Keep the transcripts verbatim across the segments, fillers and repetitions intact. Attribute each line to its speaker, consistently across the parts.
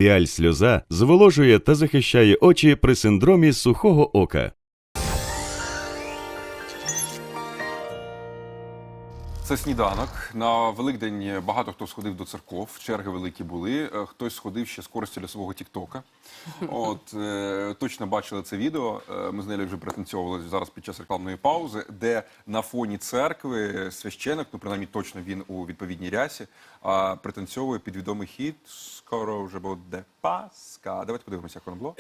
Speaker 1: Піаль-сльоза зволожує та захищає очі при синдромі сухого ока.
Speaker 2: Це сніданок. На Великдень багато хто сходив до церков, черги великі були. Хтось сходив ще з користю для свого тіктока. От, е, точно бачили це відео. Ми з нею вже пританцьовували зараз під час рекламної паузи, де на фоні церкви священик, ну принаймні точно він у відповідній рясі, а пританцьовує під відомий хіт «Скоро вже буде Пасха». Давайте подивимося, як воно було.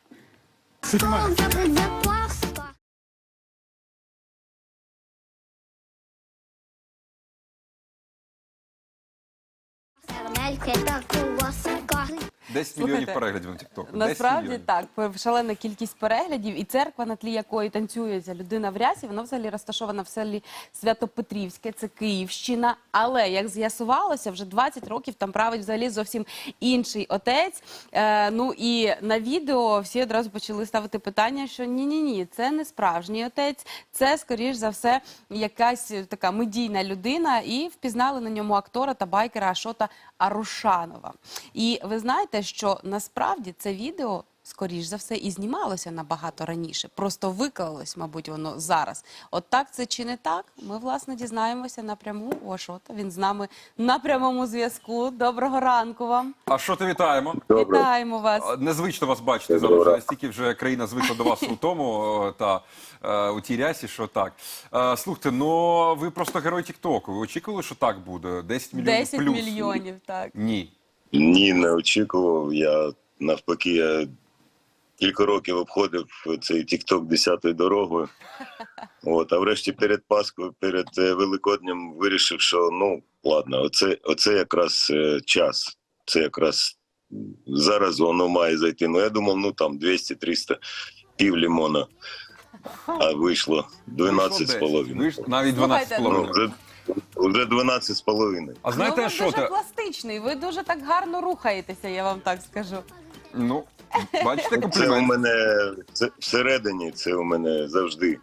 Speaker 2: десять мільйонів переглядів на тіктоку.
Speaker 3: Насправді так, шалена кількість переглядів, і церква, на тлі якої танцюється людина в рясі, вона взагалі розташована в селі Свято-Петрівське, це Київщина. Але, як з'ясувалося, вже двадцять років там править взагалі зовсім інший отець. Е, ну і на відео всі одразу почали ставити питання, що ні-ні-ні, це не справжній отець, це, скоріш за все, якась така медійна людина, і впізнали на ньому актора та байкера Ашота Арушанова. І ви знаєте, що насправді це відео, скоріш за все, і знімалося набагато раніше. Просто виклалось, мабуть, воно зараз. От так це чи не так? Ми, власне, дізнаємося напряму у Ашота. Він з нами на прямому зв'язку. Доброго ранку вам.
Speaker 2: Ашоте, вітаємо.
Speaker 3: Добре. Вітаємо вас.
Speaker 2: Незвично вас бачити зараз. Вже настільки вже країна звикла до вас у тому та у тій рясі, що так. Слухайте, ну ви просто герой тіктоку. Ви очікували, що так буде? десять мільйонів плюс?
Speaker 3: десять мільйонів, так.
Speaker 2: Ні.
Speaker 4: Ні, не очікував. Я навпаки, я кілька років обходив цей тікток десятою дорогою. От, а врешті перед Пасхою, перед Великоднем вирішив, що ну, ладно, оце, оце якраз е, час. Це якраз зараз воно має зайти. Ну, я думав, ну там двісті-триста, пів лимона. А вийшло дванадцять з половиною.
Speaker 2: Навіть дванадцять з половиною.
Speaker 4: Вже дванадцять з половиною.
Speaker 2: А знаєте,
Speaker 3: ну, ви
Speaker 2: що
Speaker 3: дуже
Speaker 2: те?
Speaker 3: пластичний, ви дуже так гарно рухаєтеся, я вам так скажу.
Speaker 2: Ну, бачите, комплімент.
Speaker 4: Це у мене, це всередині, це у мене завжди.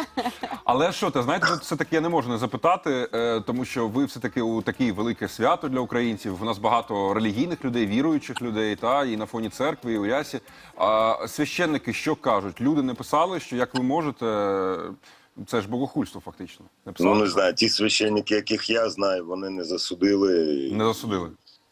Speaker 2: Але що те, знаєте, все-таки я не можу не запитати, тому що ви все-таки у таке велике свято для українців. У нас багато релігійних людей, віруючих людей, та, і на фоні церкви, і у рясі. А священники що кажуть? Люди не писали, що як ви можете... Це ж богохульство, фактично. Не
Speaker 4: ну, не знаю, ті священники, яких я знаю, вони не засудили.
Speaker 2: Не засудили?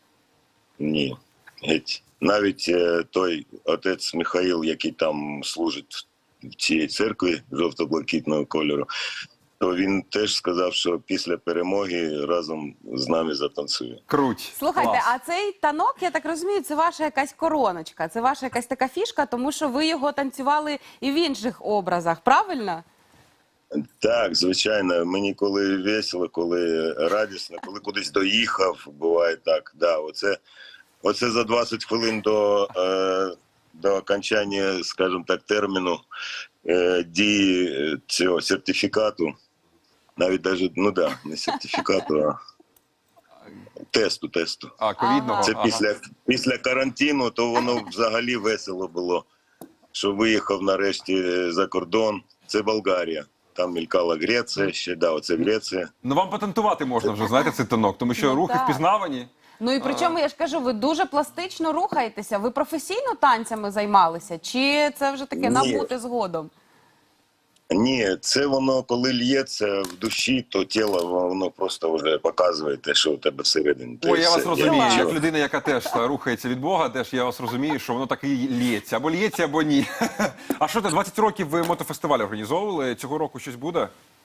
Speaker 4: Ні. Геть. Навіть е, той отець Михаїл, який там служить в цій церкві жовто-блакитного кольору, то він теж сказав, що після перемоги разом з нами затанцює.
Speaker 2: Круть.
Speaker 3: Слухайте,
Speaker 2: Клас.
Speaker 3: а цей танок, я так розумію, це ваша якась короночка, це ваша якась така фішка, тому що ви його танцювали і в інших образах, правильно?
Speaker 4: Так, звичайно. Мені коли весело, коли радісно, коли кудись доїхав, буває так. Да, оце, оце за двадцять хвилин до, е, до окончання, скажімо так, терміну е, дії цього сертифікату. Навіть навіть, ну да, не сертифікату, а тесту, тесту.
Speaker 2: А, ковідного?
Speaker 4: Це
Speaker 2: ага.
Speaker 4: після, після карантину, то воно взагалі весело було, що виїхав нарешті за кордон. Це Болгарія. Там мількала Греція, ще, да, оце Греція.
Speaker 2: Ну вам патентувати можна вже, знаєте, цей танок, тому що
Speaker 3: Ну,
Speaker 2: рухи
Speaker 3: так.
Speaker 2: впізнавані.
Speaker 3: Ну і причому, я ж кажу, ви дуже пластично рухаєтеся. Ви професійно танцями займалися? Чи це вже таке
Speaker 4: Ні.
Speaker 3: набути згодом?
Speaker 4: Ні, це воно, коли л'ється в душі, то тіло, воно просто вже показує те, що у тебе всередині. То
Speaker 2: Ой,
Speaker 4: і
Speaker 2: я
Speaker 4: все.
Speaker 2: вас розумію,
Speaker 4: нічого.
Speaker 2: як людина, яка теж та, рухається від Бога, теж я вас розумію, що воно так і лється. Або лється, або ні. А що ти, двадцять років ви мотофестиваль організовували? Цього року щось буде?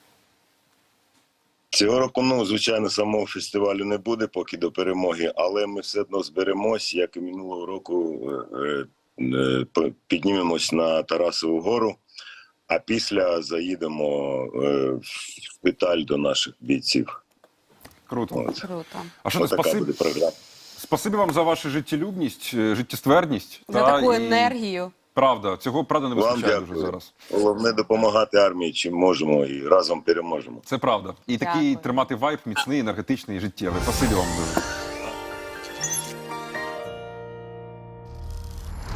Speaker 4: Цього року, ну, звичайно, самого фестивалю не буде, поки до перемоги, але ми все одно зберемось, як і минулого року, е, е, піднімемось на Тарасову гору, а після заїдемо е, в шпиталь до наших бійців.
Speaker 2: Круто.
Speaker 4: От.
Speaker 3: Круто.
Speaker 2: А що ти,
Speaker 4: Отака
Speaker 2: спасибі,
Speaker 4: буде програма.
Speaker 2: спасибі вам за вашу життєлюбність, е, життєстверність.
Speaker 3: За
Speaker 2: та,
Speaker 3: таку
Speaker 2: і-
Speaker 3: енергію.
Speaker 2: Правда, цього, правда, не
Speaker 4: Вам
Speaker 2: вистачає дуже
Speaker 4: дякую.
Speaker 2: зараз.
Speaker 4: Головне допомагати армії, чим можемо, і разом переможемо.
Speaker 2: Це правда. І такий
Speaker 3: Дякую.
Speaker 2: тримати вайб міцний, енергетичний і життєвий. Спасибі вам дуже.